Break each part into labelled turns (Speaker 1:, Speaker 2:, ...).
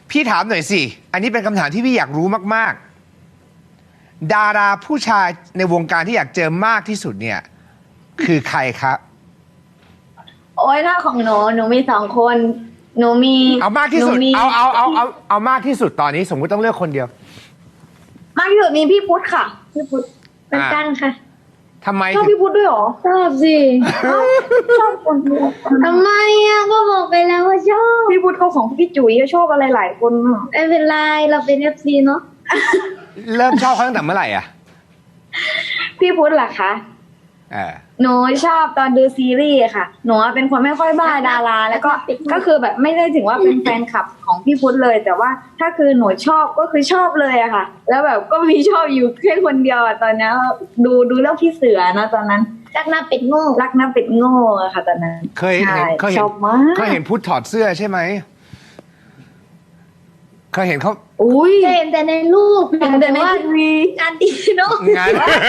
Speaker 1: พี่ถามหน่อยสิ อันนี้เป็นคำถามที่พี่อยากรู้มากๆ ดาราผู้ชายในวงการที่อยากเจอมากที่สุดเนี่ย คือใครครับ
Speaker 2: โอ้ยถ้าของหนูมี2 คน หนูมี
Speaker 1: เอามากที่สุด
Speaker 2: หนูมี
Speaker 1: เอามากที่สุดตอนนี้สมมุติต้องเลือกคนเดียว
Speaker 2: มากที่สุดมีพี่พุทธค่ะ พี่พุทธเป็นกันค่ะ
Speaker 1: ทำไม
Speaker 2: ชอบ
Speaker 1: ถึง
Speaker 2: พี่พุทธด้วยเหรอ
Speaker 3: ชอบสิ
Speaker 2: ชอบคนเดียว
Speaker 3: ทำไมอ่ะก็บอกไปแล้วว่าชอบ
Speaker 2: พี่พุทธเขาของพี่จุ๋ยก็ชอบอะไรหลายคนอะ
Speaker 3: ไม่เป็นไรเราเป็น FC เนาะ
Speaker 1: เริ่มชอบเขาตั้งแต่เมื่อไหร่อ่ะ
Speaker 2: พี่พุทธล่ะคะ
Speaker 1: เออ
Speaker 2: หนูชอบตอนดูซีรีส์ค่ะ หนูเป็นคนไม่ค่อยบ้าดารา แล้วก็คือแบบไม่ได้ถึงว่าเป็นแฟนคลับของพี่พุทธเลย แต่ว่าถ้าคือหนูชอบก็คือชอบเลยอะค่ะ แล้วแบบก็มีชอบอยู่แค่คนเดียวอะตอนนี้ดูเรื่องพี่เสือนะตอนนั้น
Speaker 3: รักหน้าเป็ดโง่
Speaker 2: รักน้ำเป็ดโง่อะค่ะ ตอนนั้น
Speaker 1: เคยเห็น
Speaker 2: ใช่
Speaker 1: ช
Speaker 2: ชอบมาก
Speaker 1: เคยเห็นพุทธถอดเสื้อใช่ไหมเคยเห็นเขา
Speaker 2: อุ้ย
Speaker 3: เห็นแต่ในรูป
Speaker 2: เห็นแต่ใน
Speaker 3: ว่า
Speaker 2: ทีวี
Speaker 3: งานดีเนาะ
Speaker 1: งาน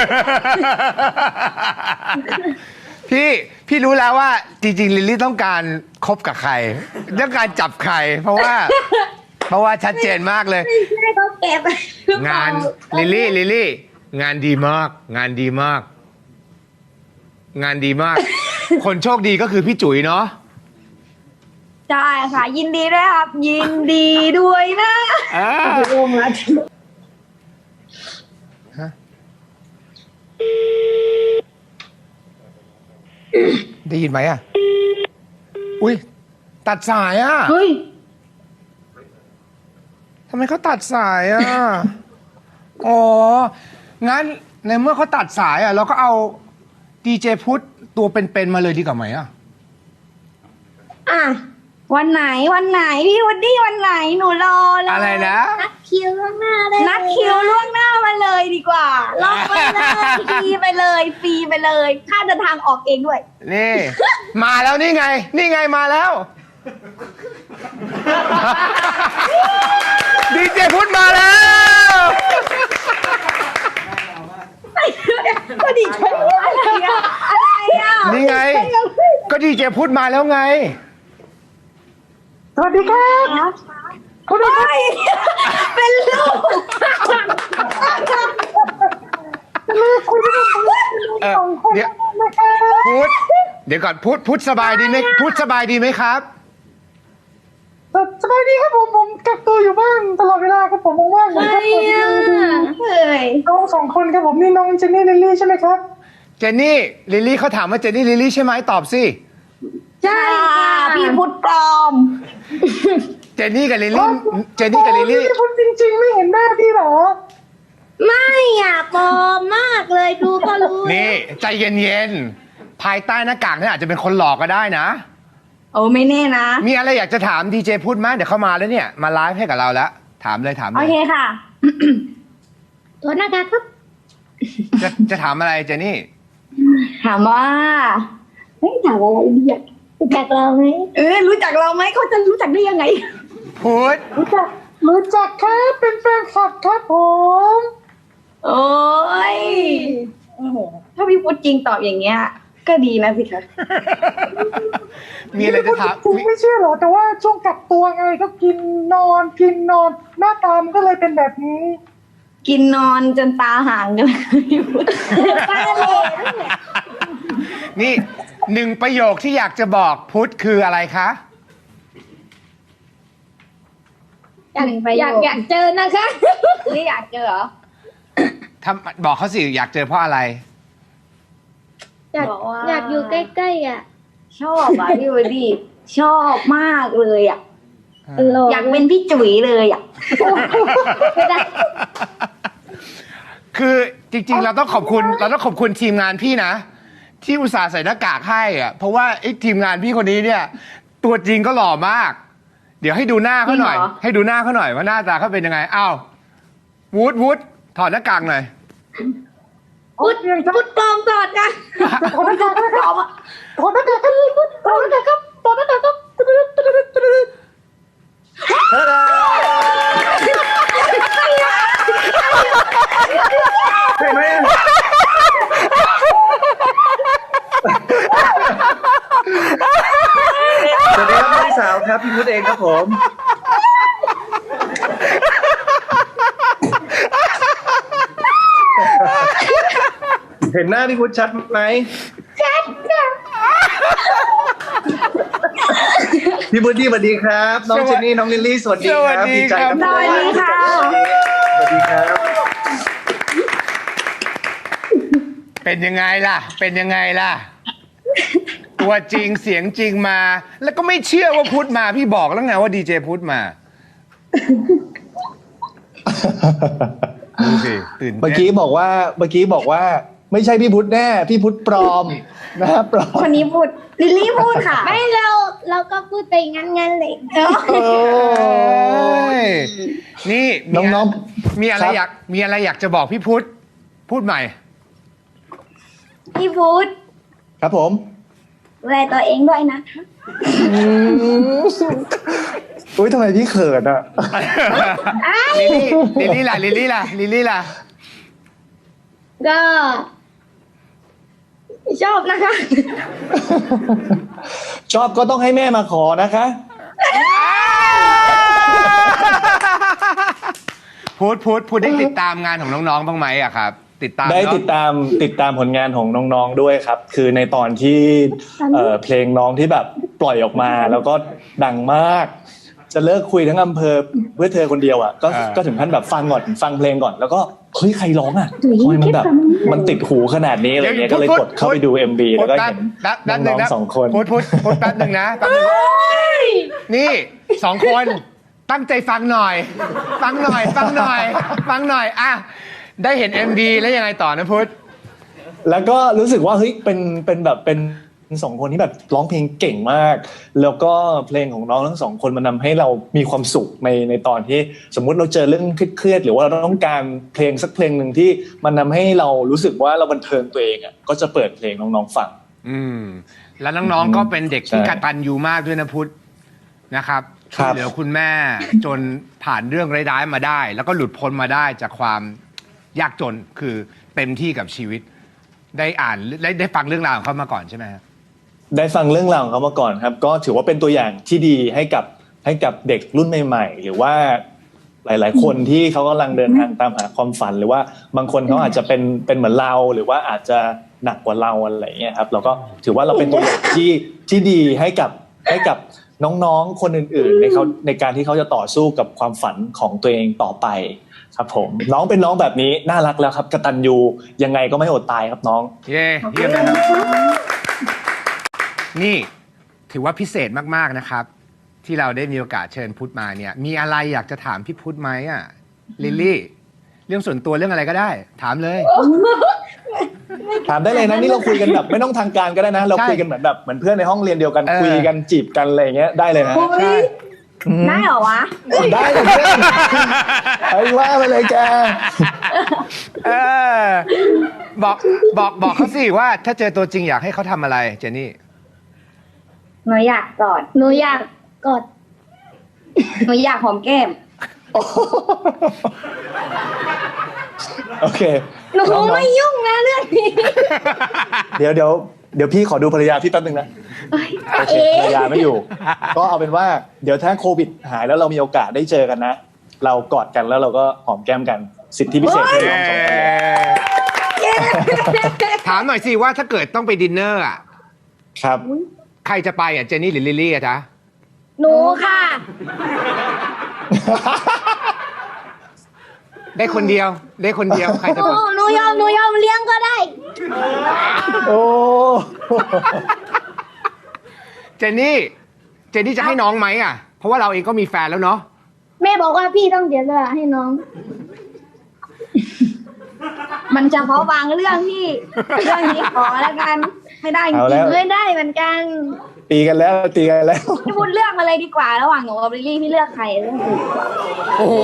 Speaker 1: พี่รู้แล้วว่าจริงๆลิลลี่ต้องการคบกับใครต้องการจับใคร เพราะว่าชัดเจนมากเลย
Speaker 3: ไม่ใช่เขาแก็บ
Speaker 1: งานลิลลี่งานดีมาก งานดีมาก งานดีมาก คนโชคดีก็คือพี่จุ๋ยเนาะ
Speaker 2: ใช่ค่ะ ยินดีด้วยครับ ยินดีด้วยนะ
Speaker 1: อ่า
Speaker 2: โอ้โหมาถึง
Speaker 1: ได้ยินไหมอ่ะ อุ้ยตัดสายอ่ะ
Speaker 2: เฮ้ย
Speaker 1: ทำไมเขาตัดสายอ่ะ อ๋อ งั้นในเมื่อเขาตัดสายอ่ะ เราก็เอาดีเจพุทธตัวเป็นๆมาเลยดีกว่าไหมอ่ะ
Speaker 3: อ่ะ
Speaker 2: วันไหนพี่วันดี้วันไหนหนูรอเลย
Speaker 1: อะไรนะ
Speaker 3: นัดคิวข้างหน้าเลย
Speaker 2: นัดคิวล่วงหน้ามาเลยดีกว่าล็อกไปเลยฟรีไปเลยฟรีไปเลยค่าเดินทางออกเองด้วย
Speaker 1: นี่ มาแล้วนี่ไง นี่ไงมาแล้ว ดีเจพุทธมาแล้ว
Speaker 2: ก็ดีใจอะไรอ่ะ
Speaker 1: นี่ไง ก็ดีเจพุทธมาแล้วไง
Speaker 2: สวัสดีครับคุณพี่เป็นลูก
Speaker 1: เออเดี๋ยวพุทธเดี๋ยวก่อนพุทธสบายดีไหมพุทธสบายดีไหมครับ
Speaker 4: สบายดีครับผมกักตัวอยู่บ้านตลอดเวลาครับผมว่างๆ
Speaker 3: ใช่อ่ะ
Speaker 2: เฮ้ย
Speaker 4: น้อง2 คนครับผมนี่น้องเจนนี่ลิลลี่ใช่ไหมครับ
Speaker 1: เจนนี่ลิลลี่เขาถามว่าเจนนี่ลิลลี่ใช่ไหมตอบสิ
Speaker 2: ใช่ค่ะพี่พุทธปลอม
Speaker 1: เจนนี่กับลิลลี่เจนนี่กับลิลลี่
Speaker 4: พี่คุณจริงๆ ไม่เห็นหน้าพี่หรอ
Speaker 3: ไม่อ่ะปลอมมากเลยดูก็รู้
Speaker 1: นี่ใจเย็นๆภายใต้หน้ากากนี่อาจจะเป็นคนหลอกก็ได้นะ
Speaker 2: โอ้ไม่แน่นะ
Speaker 1: มีอะไรอยากจะถามดีเจพุทธไหมเดี๋ยวเขามาแล้วเนี่ยมาไลฟ์ให้กับเราแล้วถามเลยถามเล
Speaker 2: โอยเคค่ะ
Speaker 3: ตัวหน้ากากครับ
Speaker 1: จะถามอะไรเจนนี่
Speaker 2: ถามว่าเฮ้ยถามอะไรดีอ่ะ
Speaker 3: รู้จักเราไหม
Speaker 2: รู้จักเราไหมเขาจะรู้จักได้ยังไง
Speaker 1: พุทธ
Speaker 4: รู้จักครับเป็นแฟนคลับครับผม
Speaker 2: โอ้ยโอ้โหถ้าพี่พุทธจริงตอบอย่างเงี้ย ก็ดีนะสิคะ
Speaker 1: มีอะไรจะถาม
Speaker 4: จริงไม่เชื่อหรอแต่ว่าช่วงกักตัวไงก็กินนอนหน้าตามนก็เลยเป็นแบบนี้
Speaker 2: กินนอนจนตาห่างกันเลยพี่พุทธ
Speaker 3: ตาเหล่
Speaker 1: นี่หนึ่งประโยคที่อยากจะบอกพุทธคืออะไรคะ
Speaker 3: อยากเจอนะคะ
Speaker 2: นี่อยากเจอเหรอ
Speaker 1: บอกเขาสิอยากเจอเพราะอะไร
Speaker 3: อยาก
Speaker 2: บอกว่า
Speaker 3: อยากอยู่ใกล้ๆอ่ะ
Speaker 2: ชอบอ่ะพี่วดีชอบมากเลยอ่ะ
Speaker 3: หล่อ
Speaker 2: อยากเป็นพี่จุ๋ยเลยอ่ะ
Speaker 3: ไม่ได้
Speaker 1: คือจริงๆเราต้องขอบคุณทีมงานพี่นะ ที่อุตส่าห์ใส่หน้ากากให้อะเพราะว่าไอ้ทีมงานพี่คนนี้เนี่ย ตัวจริงก็หล่อมาก เดี๋ยวให้ดูหน้าเขาหน่อย
Speaker 2: จริงเหรอ
Speaker 1: ให้ดูหน้าเขาหน่อยว่าหน้าตาเขาเป็นยังไงอ้าววูดถอดหน้ากากหน่อย
Speaker 3: พุดปลอมตอดกัน
Speaker 4: ขอหน้ากากครับขอหน้ากากครับขอหน้ากากครับขอหน้ากากครับ
Speaker 5: ใช่ไหมสวัสดีครับพี่สาวครับพี่พุทธเองครับผมเห็นหน้าพี่พุทธชัดไหมพี่พุทธสวัสดีครับ น้องเจนนี่น้องลิลลี่สวัสดีครับดีใจครับ
Speaker 2: สวัสดีค่ะ
Speaker 5: สวัสดีครับ
Speaker 1: เป็นยังไงล่ะ เป็นยังไงล่ะ ตัวจริงเสียงจริงมา แล้วก็ไม่เชื่อว่าพุทธมาพี่บอกแล้วไงว่าดีเจพุทธมาดูสิตื่นเต้น
Speaker 5: เมื่อกี้บอกว่าไม่ใช่พี่พุทธแน่พี่พุทธปลอมนะครับปลอม
Speaker 2: คนนี้พูดลิลลี่พูดค่ะ
Speaker 3: ไม่เราก็พูดไปงั้นเลย
Speaker 1: โอ้ยนี่
Speaker 5: น้อง
Speaker 1: มีอะไร
Speaker 5: ครับ
Speaker 1: อยากจะบอกพี่พุทธพูดใหม่
Speaker 2: พี่พูด
Speaker 5: ครับผม
Speaker 2: ดูแลตัวเองด้วยนะคะ
Speaker 5: อุ้ยทำไมพี่เขินอ่ะ
Speaker 1: ลิลลี่ล่ะ
Speaker 3: ก็ชอบนะคะ
Speaker 5: ชอบก็ต้องให้แม่มาขอนะคะ
Speaker 1: พูดได้ติดตามงานของน้องๆบ้างไหมอะครับ ติดตาม
Speaker 5: ได้
Speaker 1: เนอะ
Speaker 5: ติดตามผลงานของน้องๆด้วยครับ คือในตอนที่เพลงน้องที่แบบปล่อยออกมาแล้วก็ดังมาก จะเลิกคุยทั้งอำเภอเพื่อเธอคนเดียวอ่ะก็ถึงขั้นแบบฟังเพลงก่อนแล้วก็เฮ้ยใครร้องอ่ะทำไมมันแบบมันติดหูขนาดนี้อะไรเงี้ยก็เลยกดเข้าไปดู MV แล้วก็เห็นน้องๆสองคน
Speaker 1: พูดแป๊บหนึ่งนะแป๊บนึงนี่สองคนตั้งใจฟังหน่อยอ่ะได้เห็น MV แล้วยังไงต่อนะพุทธ
Speaker 5: แล้วก็รู้สึกว่าเฮ้ยเป็นสองคนที่แบบร้องเพลงเก่งมาก แล้วก็เพลงของน้องทั้งสองคนมันทำให้เรามีความสุขในตอนที่สมมุติเราเจอเรื่องเครียดๆหรือว่าเราต้องการเพลงสักเพลงหนึ่งที่มันทำให้เรารู้สึกว่าเราบันเทิงตัวเองอ่ะก็จะเปิดเพลงน้องๆฟัง
Speaker 1: แล้วน้องๆก็เป็นเด็กที่
Speaker 5: ใช่
Speaker 1: กตัญญูมากด้วยนะพุทธนะครับ
Speaker 5: ค
Speaker 1: ช่
Speaker 5: รั
Speaker 1: วย
Speaker 5: บ
Speaker 1: เหลือคุณแม่จนผ่านเรื่องร้ายๆมาได้ แล้วก็หลุดพ้นมาได้จากความยากจนคือเต็มที่กับชีวิต ได้อ่านได้ฟังเรื่องราวของเขามาก่อนใช่ไหมครับ
Speaker 5: ได้ฟังเรื่องราวของเขามาก่อนครับ ก็ถือว่าเป็นตัวอย่างที่ดีให้กับเด็กรุ่นใหม่ๆหรือว่าหลายๆคนที่เขากำลังเดินทางตามหาความฝัน หรือว่าบางคนเขาอาจจะเป็นเหมือนเราหรือว่าอาจจะหนักกว่าเราอะไรอย่างเงี้ยครับเราก็ถือว่าเราเป็นตัวอย่างที่ดีให้กับน้องๆคนอื่นๆในการที่เขาจะต่อสู้กับความฝันของตัวเองต่อไปครับผมน้องเป็นน้องแบบนี้น่ารักแล้วครับกตัญญูยังไงก็ไม่อดตายครับน้อง
Speaker 1: เยี่ยมนะครับนี่ถือว่าพิเศษมากๆนะครับ ที่เราได้มีโอกาสเชิญพุทธมาเนี่ย มีอะไรอยากจะถามพี่พุทธไหมอ่ะลิลลี่เรื่องส่วนตัวเรื่องอะไรก็ได้ ถามเลย
Speaker 5: ถามได้เลยนะนี่เราคุยกันแบบไม่ต้องทางการก็ได้นะ เรา
Speaker 1: ใช่
Speaker 5: คุยกันเหมือนเพื่อนในห้องเรียนเดียวกัน
Speaker 1: เออ
Speaker 5: คุยกันจีบกันอะไรอย่างเงี้ยได้เลยนะ
Speaker 2: เฮ้ยได้เหรอวะ
Speaker 5: ได้เลยเพื่อนไอ้ว่าไปเลยแก
Speaker 1: เออบอกเขาสิว่าถ้าเจอตัวจริงอยากให้เขาทำอะไรเจนนี่
Speaker 2: หนูอยากกอด
Speaker 3: หนูอยากกด
Speaker 2: หนูอยากหอมแก้ม
Speaker 5: โอเค
Speaker 3: หนู
Speaker 5: น้องๆ
Speaker 3: ไม่ยุ่งนะเรื่องนี้
Speaker 5: เดี๋ยวพี่ขอดูภรรยาพี่แป๊บนึงนะโอเคภรรยาไม่อยู่ ก็เอาเป็นว่าเดี๋ยวถ้าโควิดหายแล้วเรามีโอกาสได้เจอกันนะ เรากอดกันแล้วเราก็หอมแก้มกันสิทธิพิเศษของน้องสองคน
Speaker 1: ถามหน่อยสิว่าถ้าเกิดต้องไปดินเนอร์อ่ะ
Speaker 5: ครับ
Speaker 1: ใครจะไปอ่ะเจนนี่หรือลิลลี่อ่ะจ๊ะ
Speaker 3: หนูค่ะ
Speaker 1: ได้คนเดียวใครจะไป
Speaker 3: หนูยอมเลี้ยงก็ได้
Speaker 5: โอ้
Speaker 1: เจนนี่จะให้น้องไหมอ่ะ เพราะว่าเราเองก็มีแฟนแล้วเนาะ
Speaker 3: แม่บอกว่าพี่ต้องเสียสละให้น้อง
Speaker 2: มันเฉพาะบางเรื่องที่เรื่องนี้ขอแล้วกัน ไม่ได้จ
Speaker 5: เอา
Speaker 2: ริ
Speaker 5: แล้
Speaker 2: ง
Speaker 5: ว
Speaker 3: ไม่ได้เหมือนกัน
Speaker 5: ตีกันแล้ว
Speaker 2: ๆพี่พูดเลือกมาเลยดีกว่า ระหว่างหนูกับลิลลี่พี่เลือกใครเรื่องอื่น
Speaker 1: โอ้โห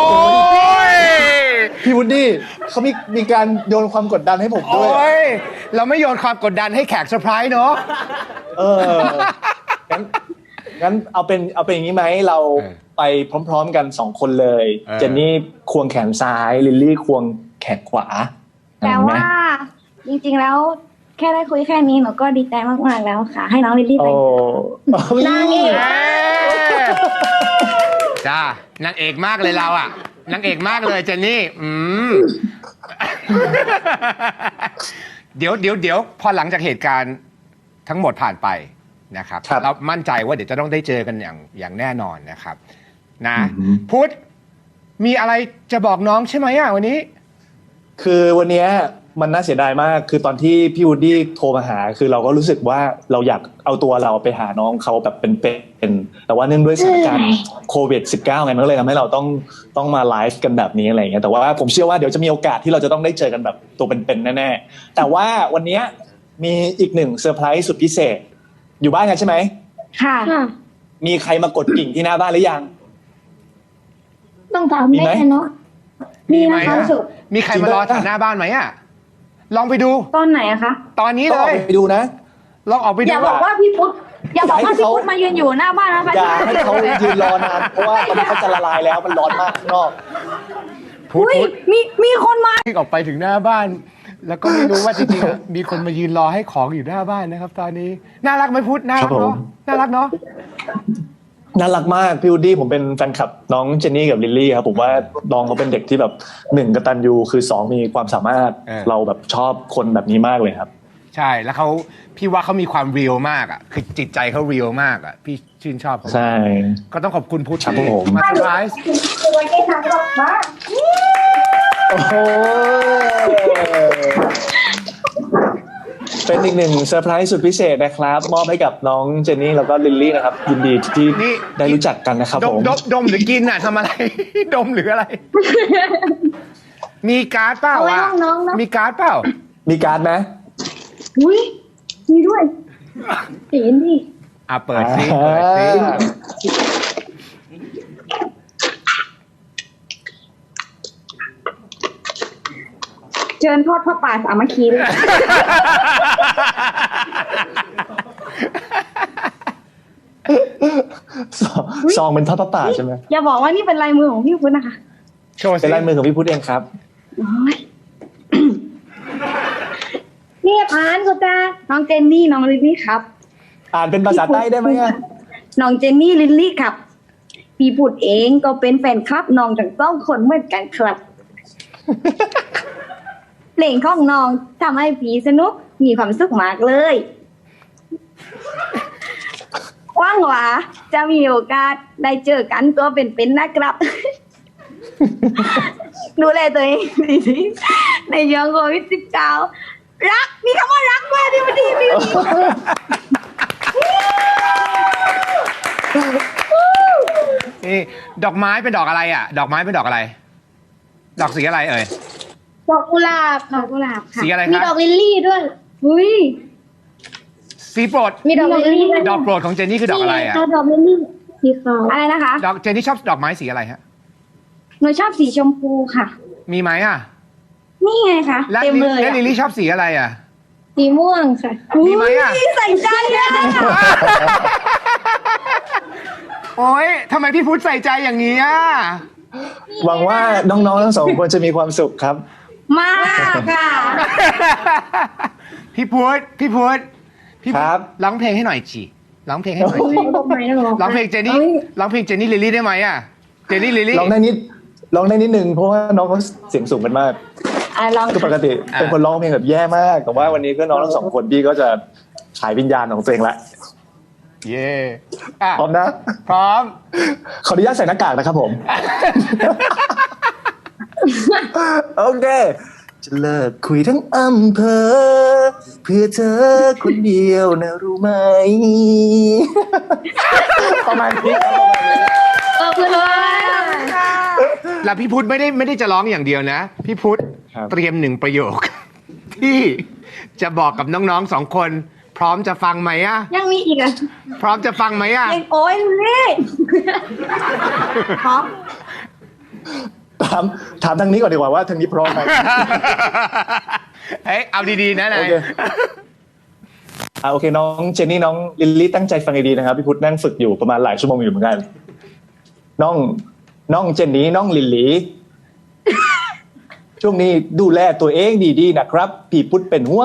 Speaker 5: พี่วุฒิเขามีการโยนความกดดันให้ผม
Speaker 1: โอ้
Speaker 5: ด้วย
Speaker 1: ยเราไม่โยนความกดดันให้แขกเซอร์ไพรส์เนาะ
Speaker 5: เอองั้นเอาเป็นอย่างนี้ไหมเราไปพร้อมๆกัน2คนเลย เจนนี่ควงแขนซ้ายลิลลี่ควงแขนขวา
Speaker 2: แต่ว่าจริงๆแล้วแค่ได้คุยแค่นี้หนูก็ดีใจมากๆแล้วค่ะ ให้น้องลิลลี่ไป
Speaker 5: โอ้
Speaker 3: นางเอก
Speaker 1: จ้านางเอกมากเลยเราอ่ะนางเอกมากเลยเจนนี่เดี๋ยวพอหลังจากเหตุการณ์ทั้งหมดผ่านไปนะครับ
Speaker 5: ครับ
Speaker 1: เรามั่นใจว่าเดี๋ยวจะต้องได้เจอกันอย่างแน่นอนนะครับ นะ
Speaker 5: อือหือ
Speaker 1: พุทธมีอะไรจะบอกน้องใช่ไหมอ่ะวันนี้
Speaker 5: คือวันเนี้ยมันน่าเสียดายมาก คือตอนที่พี่วูดดี้โทรมาหา คือเราก็รู้สึกว่าเราอยากเอาตัวเราไปหาน้องเขาแบบเป็นแต่ว่าเนื่องด้วยสถานการณ์โควิด -19 ไงมันก็เลยทำให้เราต้องมาไลฟ์กันแบบนี้อะไรอย่างเงี้ย แต่ว่าผมเชื่อว่าเดี๋ยวจะมีโอกาสที่เราจะต้องได้เจอกันแบบตัวเป็นๆแน่ๆ แต่ว่าวันเนี้ยมีอีกหนึ่งเซอร์ไพรส์สุดพิเศษ อยู่บ้านกันใช่ไหม
Speaker 2: ค่ะ
Speaker 5: มีใครมากดกิ่งที่หน้าบ้านหรือยัง
Speaker 3: ต้องถาม
Speaker 5: มีไหม
Speaker 3: แม่เนาะ
Speaker 1: มีไหม
Speaker 3: ความ
Speaker 1: อ่ะ
Speaker 3: สุข
Speaker 1: มีใครมารอแถวหน้าบ้านไหมอ่ะลองไปดู
Speaker 2: ตอนไหนอะคะ
Speaker 1: ตอนนี้
Speaker 5: ต้อง
Speaker 1: เล
Speaker 5: ออก
Speaker 1: ย
Speaker 5: ไปดูนะ
Speaker 1: ลองออกไป
Speaker 2: อ
Speaker 1: ดู
Speaker 2: ย่าบอกว่าพี่พุทธอย่าบอกว่าพี่พุทธมายืนอยู่หน้าบ้านนะ
Speaker 5: อย่าให้เขายืนรอนาน เพราะว่าตอนนี้เขาจะละลายแล้วมันร้อนมากข้างนอก
Speaker 1: พุทธ
Speaker 2: อุ้ยมีคนมา
Speaker 1: วิ่งออกไปถึงหน้าบ้าน แล้วก็ไม่รู้ว่าจริงๆอ่ะมีคนมายืนรอให้ของอยู่หน้าบ้านนะครับ ตอนนี้น่ารักไหมพุทธน่ารัก
Speaker 5: ครับผ
Speaker 1: เนาะ
Speaker 5: ม
Speaker 1: น่ารักเนาะ
Speaker 5: น่ารักมากพี่วูดดี้ผมเป็นแฟนคลับน้องเจนนี่กับลิลลี่ครับผมว่าน้องเขาเป็นเด็กที่แบบ1กตัญญูคือ2มีความสามารถเราแบบชอบคนแบบนี้มากเลยครับ
Speaker 1: ใช่แล้วพี่ว่าเขามีความเรียลมากอ่ะคือจิตใจเขาเรียลมากอ่ะพี่ชื่นชอบเขา
Speaker 5: ใช่
Speaker 1: ก็ต้องขอบคุณพุทธ
Speaker 5: ครับ
Speaker 1: ที่
Speaker 5: ผม
Speaker 1: มาเซอร์ไพรส์
Speaker 5: โอ้โหเป็นอีกหนึ่งเซอร์ไพรส์สุดพิเศษนะครับ มอบให้กับน้องเจนนี่แล้วก็ลิลลี่นะครับยินดีที่ได้รู้จักกันนะครับ
Speaker 1: ด
Speaker 5: ผม ม
Speaker 1: ดมหรือกินอ่ะทำอะไร ดมหรืออะไร มีการ์ดเปล่า
Speaker 3: เอาไว้
Speaker 1: อ่ะ
Speaker 3: ห้องน้องเนอะ
Speaker 1: มีการ์ดเปล่า
Speaker 5: มีการ์ดไหม
Speaker 3: อุ้ยมีด้วยตีนดิ
Speaker 1: อ่ะเปิดซิเปิดซิ
Speaker 2: เชิญทอดพระป่าสามัคคีเลย
Speaker 5: ซองเป็นทอดพระป่าใช่ไหม
Speaker 2: อย่าบอกว่านี่เป็นลายมือของพี่พุทธนะคะ
Speaker 1: โชว์
Speaker 5: เป็
Speaker 1: ซิ
Speaker 5: นลายมือของพี่พุทธเองครับ
Speaker 2: โอ้ย
Speaker 3: นี่ผ่านกูจ้า
Speaker 2: น้องเจนนี่น้องลิลลี่ครับ
Speaker 5: อ่านเป็นภาษาใต้ได้ไหมอะ
Speaker 2: น้องเจนนี่ลิลลี่ครับ พี่พุทธเองก็เป็นแฟนคลับน้องทั้งสองคนเหมือนกันครับ เพลงของน้องทำให้พี่สนุกมีความสุขมากเลยหว่างหวาจะมีโอกาสได้เจอกันตัวเป็นๆนะครับ ดูแลตัวเองดีๆในช่วงโควิด-19 รักมีคำว่ารักด้วยพี่วันดีพี่วันดี
Speaker 1: นี่ดอกไม้เป็นดอกอะไรอ่ะ ดอกไม้เป็นดอกอะไร ดอกสีอะไรเอ่ย
Speaker 3: ดอกกุหลาบ
Speaker 2: ดอกกุหลาบค่ะ
Speaker 1: สีอะไร
Speaker 3: มี
Speaker 1: คะ
Speaker 3: ดอกลิลลี่ด้วย
Speaker 2: อุ้ย
Speaker 1: สีโปรด
Speaker 3: มีดอกลิลลี่ด้วย
Speaker 1: ดอกโปรดของเจนนี่คือดอกอะไรอ่ะ
Speaker 3: นี่งดอกลิลลี่สีขาว
Speaker 2: อะไรนะคะ
Speaker 1: ดอกเจนนี่ชอบดอกไม้สีอะไรฮะ
Speaker 2: หนูชอบสีชมพูค่ะ
Speaker 1: มีไหมอ่ะ
Speaker 2: นี่ไงคะ
Speaker 1: และ
Speaker 2: เต็มเลย
Speaker 1: และ
Speaker 2: อะ
Speaker 1: ลิลลี่ชอบสีอะไรอ่ะ
Speaker 3: สีม่วงค่ะ
Speaker 1: มีไหมอ่ะ
Speaker 2: ใส่ใจอะ
Speaker 1: โอ๊ยทำไมพี่พุทธใส่ใจอย่างนี้อ่ะ
Speaker 5: หวังว่าน้องๆทั้งสองคนจะมีความสุขครับ
Speaker 2: มากค่ะ
Speaker 1: พี่พุทธพี่พุทธพี่พุทธ
Speaker 5: ครับ
Speaker 1: ร้องเพลงให้หน่อยจีร้องเพลงให้หน่อยจี
Speaker 3: ดอกไม้นะหรอ
Speaker 1: ร้องเพลงเจนนี่ร้องเพลงเจนนี่ลิลลี่ได้ไหมอ่ะ เจนนี่ลิลลี่
Speaker 5: ลองได้นิดนึงเพราะว่าน้องเขาเสียงสูงกันมาก
Speaker 2: ลอง
Speaker 5: คือปกติเป็นคนร้องเพลงแบบแย่มาก แต่ว่าวันนี้ก็น้องทั้งสองคนพี่ก็จะขายวิญญาณของตัวเองละ
Speaker 1: เย่อ่ะ
Speaker 5: พร้อมนะ
Speaker 1: พร้อม
Speaker 5: ขออนุญาตใส่หน้ากากนะครับผม โอเค จะเลิกคุยทั้งอำเภอเพื่อเธอคนเดียวนะรู้ไหม ประมาณนี้ครับประมาณนี้
Speaker 3: ขอบคุณมาก
Speaker 1: แล้วพี่พุทธไม่ได้จะร้องอย่างเดียวนะ พี่พุทธ
Speaker 5: ครับ
Speaker 1: เตรียม1 ประโยค ที่จะบอกกับน้องๆ2 คน พร้อมจะฟังไหมอ่ะ
Speaker 2: ยังมีอีกอ่ะ
Speaker 1: พร้อมจะฟังไหมอ่ะ
Speaker 2: ยังโอ้ยนี่พร้อม
Speaker 5: ถามทางนี้ก่อนดีกว่าว่าทางนี้พร้อมไหม
Speaker 1: เฮ้ยเอาดีๆนะนา
Speaker 5: โอย เคโอเคน้องเจนนี่น้องลิลลี่ตั้งใจฟังให้ดีนะครับพี่พุทธนั่งฝึกอยู่ประมาณหลายชั่วโมงอยู่เหมือนกันน้องเจนนี่น้องลิลลี่ ช่วงนี้ดูแลตัวเองดีๆนะครับพี่พุทธเป็นห่วง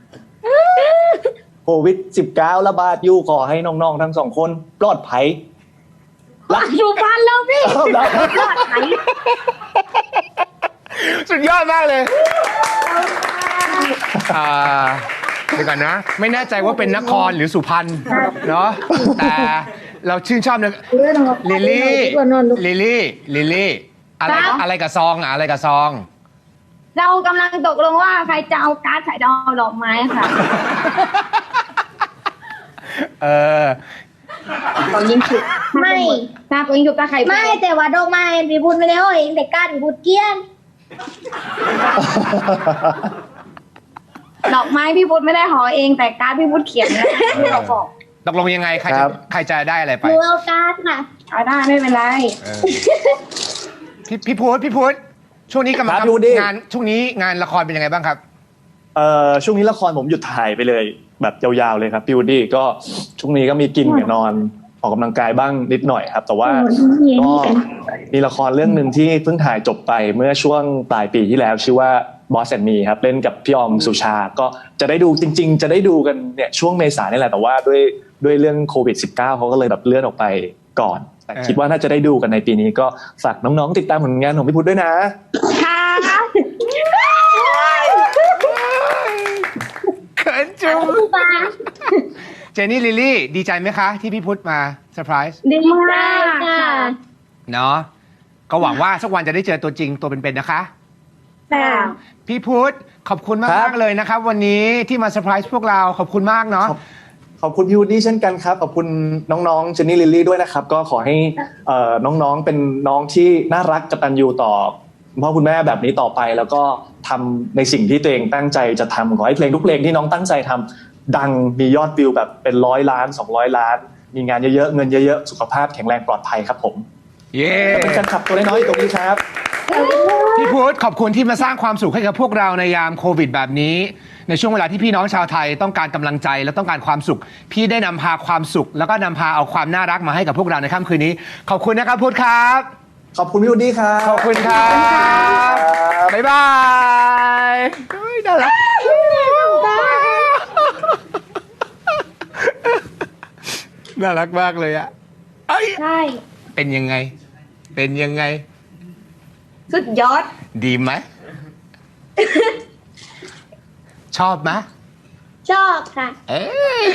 Speaker 5: โควิด-19 ระบาดอยู่ขอให้น้องๆทั้งสองคนปลอดภัย
Speaker 3: อยู่บ้านแล้วพี่
Speaker 5: เอาละ
Speaker 1: สุดยอดมากเลยเดี๋ยวก่อนนะ ไม่แน่ใจว่าเป็นนครหรือสุพรรณเนาะแต่เราชื่นชอบนะลิลลี่อะไรกับซองอะไรกับซอง
Speaker 2: เรากำลังตกลงว่าใครจะเอาการ์ดใครจะเอาดอกไม้ค่ะ ตอนยิงฉุบ
Speaker 3: ไม่
Speaker 2: ถ้าตอนยิงฉุบตาใคร
Speaker 3: ไม่แต่ว่าดอกไม้พี่พูดไม่ได้เอาเองแต่การพี่พูดเกลี้ยน
Speaker 2: ดอกไม้พี่พุทธไม่ได้ห่อเองแต่การ์ดพี่พุทธเขียนนะที่เราบอก
Speaker 1: ตกลงยังไงใครจะได้อะไร
Speaker 3: ห
Speaker 1: ไป
Speaker 3: นูเอาการ์ดค่ะ
Speaker 2: เอาได้ไม่เป็นไร
Speaker 1: พี่พุทธช่วงนี้กำลัง
Speaker 5: ครับพี่วุฒิ
Speaker 1: งานช่วงนี้งานละครเป็นยังไงบ้างครับ
Speaker 5: ช่วงนี้ละครผมหยุดถ่ายไปเลยแบบยาวๆเลยครับพี่วูดดี้ก็ช่วงนี้ก็มีกินกับนอนออกกำลังกายบ้างนิดหน่อยครับ แต่ว่าก็มีละครเรื่องหนึ่งที่เพิ่งถ่ายจบไปเมื่อช่วงปลายปีที่แล้วชื่อว่า Boss and Me ครับเล่นกับพี่ออมสุชาก็จะได้ดูจริงๆจะได้ดูกันเนี่ยช่วงเมษายนนี่แหละแต่ว่าด้วยเรื่องโควิด -19 เขาก็เลยแบบเลื่อนออกไปก่อนแต่คิดว่าน่าจะได้ดูกันในปีนี้ก็ฝากน้องๆติดตามผลงานของพี่พุทธด้วยนะ
Speaker 2: ค่ะ
Speaker 1: เขินจุงเจนนี่ลิลลี่ดีใจไหมคะที่พี่พุทธมาเซอร์ไพรส์
Speaker 2: ดีมากค่ะ
Speaker 1: เนาะก็หวังว่าสักวันจะได้เจอตัวจริงตัวเป็นๆนะคะ
Speaker 2: ค่ะ
Speaker 1: พี่พุทธขอบคุณมากๆเลยนะครับวันนี้ที่มาเซอร์ไพรส์พวกเราขอบคุณมากเนาะ
Speaker 5: ขอบคุณพี่วูดดี้เช่นกันครับขอบคุณน้องๆเจนนี่ลิลลี่ด้วยนะครับก็ขอให้น้องๆเป็นน้องที่น่ารักกตัญญูต่อคุณพ่อคุณแม่แบบนี้ต่อไป แล้วก็ทำในสิ่งที่ตัวเองตั้งใจจะทำขอให้เพลงทุกเพลงที่น้องตั้งใจทำดังมียอดวิวแบบเป็น100 ล้าน200 ล้าน มีงานเยอะๆเงินเยอะๆสุขภาพแข็งแรงปลอดภัยครับผม
Speaker 1: เย้
Speaker 5: เป็นแฟนคลับตัวน้อยๆตรงนี้ครับ
Speaker 1: พี่พุทธขอบคุณที่มาสร้างความสุขให้กับพวกเราในยามโควิดแบบนี้ ในช่วงเวลาที่พี่น้องชาวไทยต้องการกำลังใจและต้องการความสุข พี่ได้นำพาความสุข แล้วก็นำพาเอาความน่ารักมาให้กับพวกเราในค่ำคืนนี้ ขอบคุณนะครับพุทธครับ
Speaker 5: ขอบคุณพี่วูดดี้ครับ
Speaker 1: ขอบคุณครับบ๊ายบายเฮ้ยน่ารักน่ารักมากเลยอะเอ้ย
Speaker 2: ใช่
Speaker 1: เป็นยังไง เป็นยังไง
Speaker 2: สุดยอด
Speaker 1: ดีไหม ชอบไหม
Speaker 3: ชอบค่ะ
Speaker 1: เอ้ย